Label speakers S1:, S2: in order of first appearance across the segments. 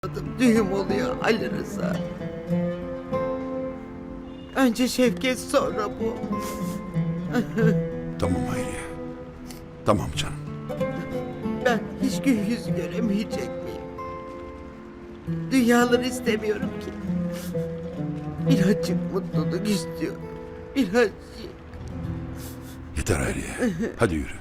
S1: Düğüm oluyor Ali Rıza. Önce Şevket, sonra bu.
S2: Tamam Hayriye. Tamam canım.
S1: Ben hiç gün yüz göremeyecek miyim? Dünyaları istemiyorum ki. Birazcık mutluluk istiyorum. Birazcık.
S2: Yeter Hayriye. Hadi yürü.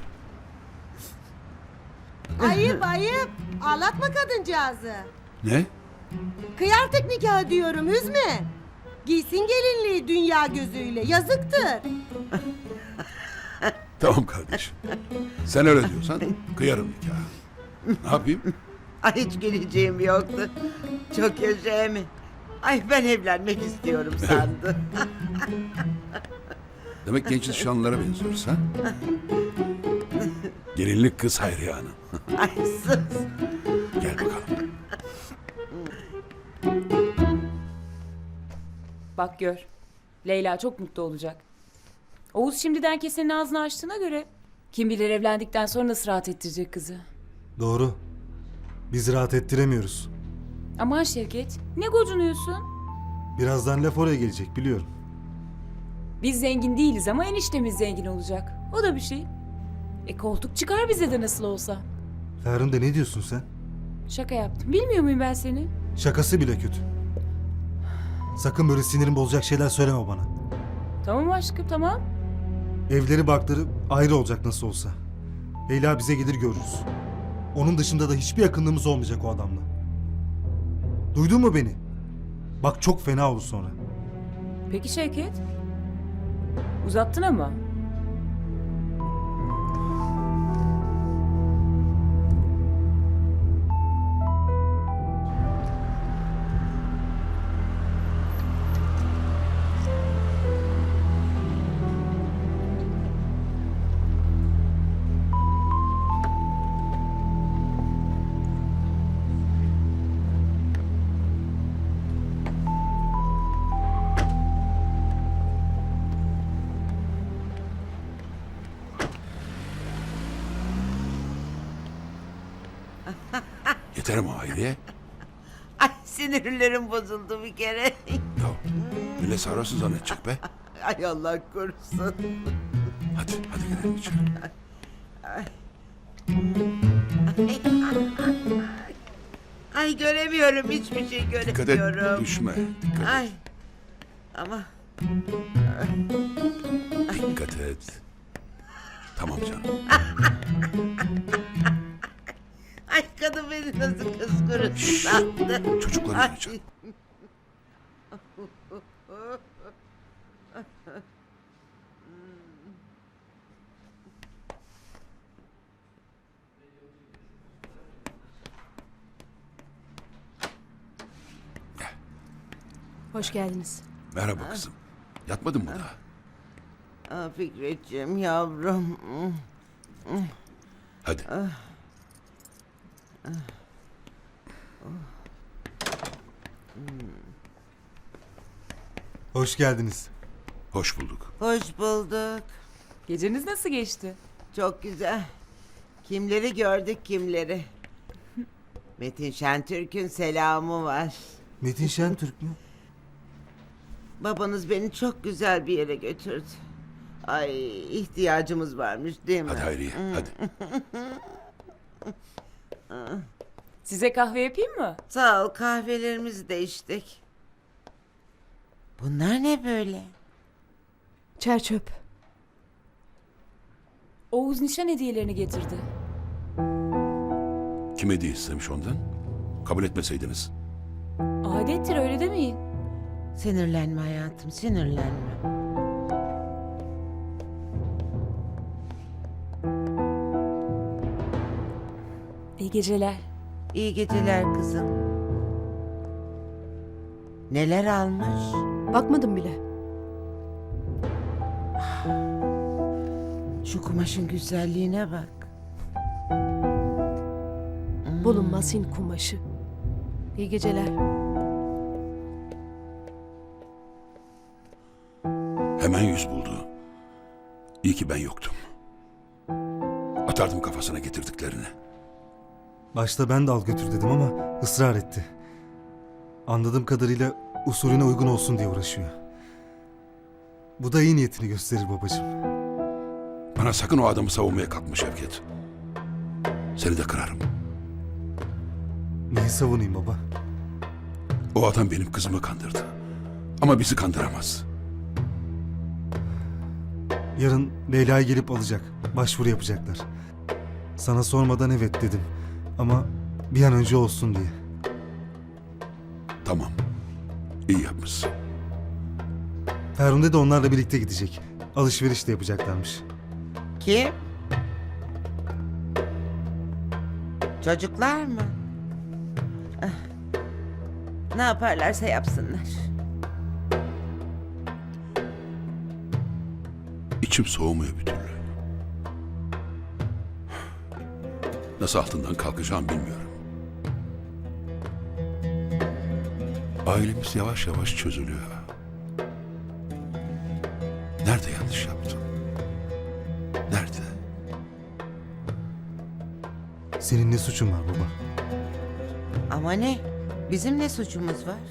S3: Ayıp ayıp. Ağlatma kadıncağızı.
S2: Ne?
S3: Kıy artık nikah diyorum, üzme. Giysin gelinliği dünya gözüyle, yazıktır.
S2: Tamam kardeşim. Sen öyle diyorsan kıyarım nikahı. Ne yapayım?
S1: Ay hiç geleceğim yoktu. Çok yaşa mi? Ay ben evlenmek istiyorum sandı.
S2: Demek genç nişanlılara benziyoruz ha? Gelinlik kız Hayriye Hanım.
S1: Ay sus.
S2: Gel bakalım.
S4: Bak gör. Leyla çok mutlu olacak. Oğuz şimdiden kesenin ağzını açtığına göre kim bilir evlendikten sonra nasıl rahat ettirecek kızı.
S5: Doğru. Biz rahat ettiremiyoruz.
S4: Aman Şevket, ne gocunuyorsun?
S5: Birazdan laf oraya gelecek biliyorum.
S4: Biz zengin değiliz ama eniştemiz zengin olacak. O da bir şey. Koltuk çıkar bize de nasıl olsa.
S5: Ferhunde ne diyorsun sen?
S4: Şaka yaptım. Bilmiyor muyum ben seni?
S5: Şakası bile kötü. Sakın böyle sinirim bozacak şeyler söyleme bana.
S4: Tamam aşkım, tamam.
S5: Evleri barkları ayrı olacak nasıl olsa. Leyla bize gelir görürüz. Onun dışında da hiçbir yakınlığımız olmayacak o adamla. Duydun mu beni? Bak çok fena olur sonra.
S4: Peki Şevket? Uzattın ama.
S2: Yeter ama Hayriye.
S1: Ay sinirlerim bozuldu bir kere.
S2: Ya millet sarhoşsun zannedecek be.
S1: Ay Allah korusun.
S2: Hadi gidelim içeri.
S1: Ay göremiyorum, hiçbir şey
S2: Dikkat et
S1: göremiyorum.
S2: düşme. Dikkat et.
S1: Ay ama
S2: Dikkat et. Tamam canım.
S1: ay kadın beni nasıl kıskırırsın attı.
S2: Çocukları
S1: Ay.
S2: duyacak.
S3: Hoş geldiniz.
S2: Merhaba kızım. Yatmadın mı daha?
S1: Fikretciğim yavrum.
S2: Hadi.
S5: Hoş geldiniz.
S2: Hoş bulduk.
S1: Hoş bulduk.
S4: Geceniz nasıl geçti?
S1: Çok güzel. Kimleri gördük kimleri. Metin Şentürk'ün selamı var.
S5: Metin Şentürk mü?
S1: Babanız beni çok güzel bir yere götürdü. Ay ihtiyacımız varmış değil mi?
S2: Hadi Hayriye. Hadi.
S4: Size kahve yapayım mı?
S1: Sağ ol, kahvelerimizi de içtik. Bunlar ne böyle?
S3: Çerçöp.
S4: Oğuz nişan hediyelerini getirdi.
S2: Kim hediye istemiş ondan? Kabul etmeseydiniz.
S4: Adettir, öyle demeyin.
S1: Sinirlenme hayatım, sinirlenme.
S4: İyi geceler.
S1: İyi geceler kızım. Neler almış?
S3: Bakmadım bile.
S1: Şu kumaşın güzelliğine bak.
S3: Bulunmaz Hint kumaşı. İyi geceler.
S2: Hemen yüz buldu. İyi ki ben yoktum. Atardım kafasına getirdiklerini.
S5: Başta ben de al götür dedim ama ısrar etti. Anladığım kadarıyla usulüne uygun olsun diye uğraşıyor. Bu da iyi niyetini gösterir babacığım.
S2: Bana sakın o adamı savunmaya kalkma Şevket. Seni de kırarım.
S5: Neyi savunayım baba?
S2: O adam benim kızımı kandırdı. Ama bizi kandıramaz.
S5: Yarın Leyla'yı gelip alacak. Başvuru yapacaklar. Sana sormadan evet dedim. Ama bir an önce olsun diye.
S2: Tamam. İyi yapmışsın.
S5: Ferhunde de onlarla birlikte gidecek. Alışveriş de yapacaklarmış.
S1: Kim? Çocuklar mı? Ah. Ne yaparlarsa yapsınlar.
S2: İçim soğumuyor bir türlü. Nasıl altından kalkacağım bilmiyorum. Ailemiz yavaş yavaş çözülüyor. Nerede yanlış yaptım? Nerede?
S5: Senin ne suçun var baba?
S1: Ama ne? Bizim ne suçumuz var?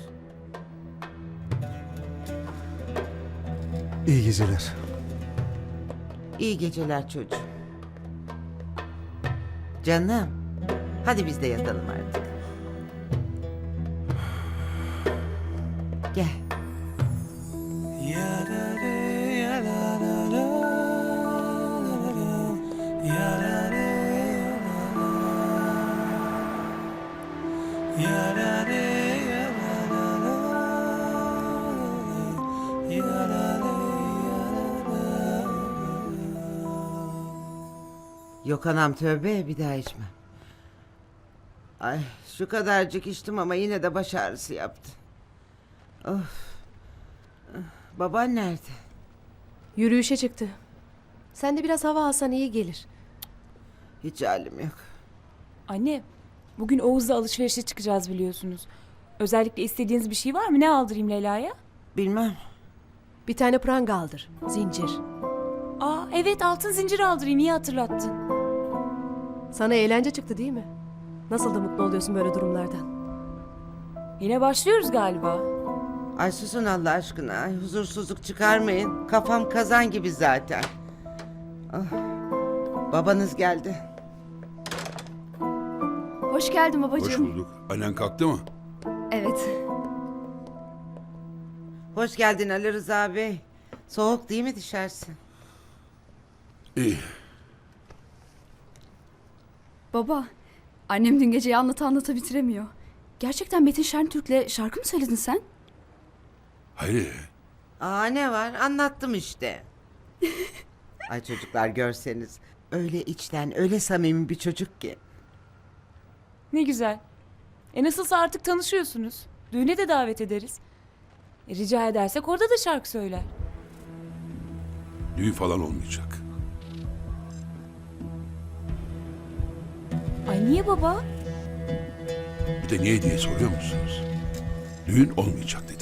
S5: İyi geceler.
S1: İyi geceler çocuğum. Canım. Hadi biz de yatalım artık. Gel. Yok anam tövbe bir daha içmem. Ay şu kadarcık içtim ama yine de baş ağrısı yaptı. Of. Baban nerede?
S6: Yürüyüşe çıktı. Sen de biraz hava alsan iyi gelir.
S1: Hiç halim yok.
S4: Anne, bugün Oğuz'la alışverişe çıkacağız biliyorsunuz. Özellikle istediğiniz bir şey var mı? Ne aldırayım Leyla'ya?
S1: Bilmem.
S6: Bir tane pranga aldır. Zincir.
S4: Aa evet, altın zincir aldırayım, iyi hatırlattın.
S6: Sana eğlence çıktı değil mi? Nasıl da mutlu oluyorsun böyle durumlardan.
S4: Yine başlıyoruz galiba.
S1: Ay susun Allah aşkına. Ay, huzursuzluk çıkarmayın. Kafam kazan gibi zaten. Ah. Babanız geldi.
S7: Hoş geldin
S2: Hoş
S7: babacığım.
S2: bulduk. Annen kalktı mı?
S7: Evet.
S1: Hoş geldin Ali Rıza Bey. Soğuk değil mi dışarısı?
S2: İyi.
S7: Baba, annem dün geceyi anlata bitiremiyor. Gerçekten Metin Şentürk'le şarkı mı söyledin sen?
S2: Hayır.
S1: Aa ne var? Anlattım işte. Ay çocuklar görseniz. Öyle içten, öyle samimi bir çocuk ki.
S4: Ne güzel. Nasılsa artık tanışıyorsunuz. Düğüne de davet ederiz. Rica edersek orada da şarkı söyler.
S2: Düğün falan olmayacak.
S4: Ay niye baba?
S2: Bir de niye diye soruyor musunuz? Düğün olmayacak dedim.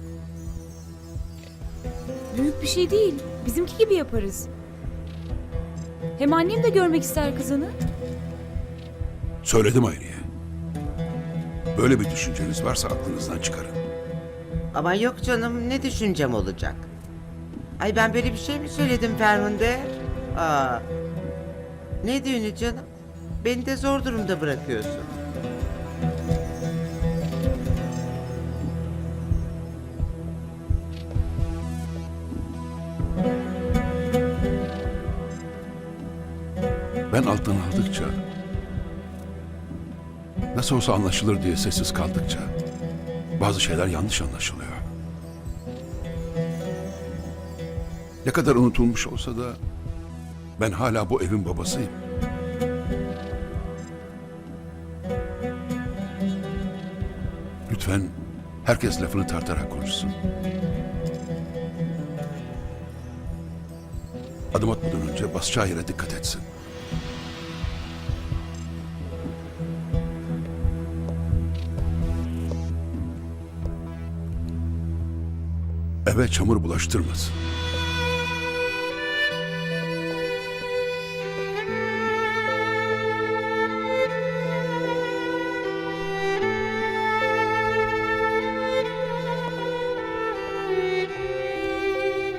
S4: Büyük bir şey değil. Bizimki gibi yaparız. Hem annem de görmek ister kızını.
S2: Söyledim Hayriye. Böyle bir düşünceniz varsa aklınızdan çıkarın.
S1: Ama yok canım ne düşüncem olacak? Ay ben böyle bir şey mi söyledim Ferhunde? Aa. Ne düğünü canım? Beni de zor durumda bırakıyorsun.
S2: Ben alttan aldıkça, nasıl olsa anlaşılır diye sessiz kaldıkça bazı şeyler yanlış anlaşılıyor. Ne kadar unutulmuş olsa da ben hala bu evin babasıyım. Lütfen herkes lafını tartarak konuşsun. Adım atmadan önce basacağı yere dikkat etsin. Eve çamur bulaştırmasın.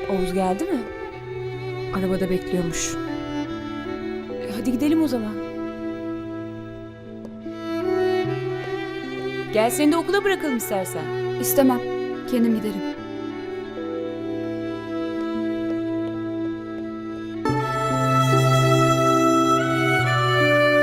S4: Oğuz geldi mi?
S6: Arabada bekliyormuş.
S4: Hadi gidelim o zaman. Gel seni de okula bırakalım istersen.
S7: İstemem. Kendim giderim.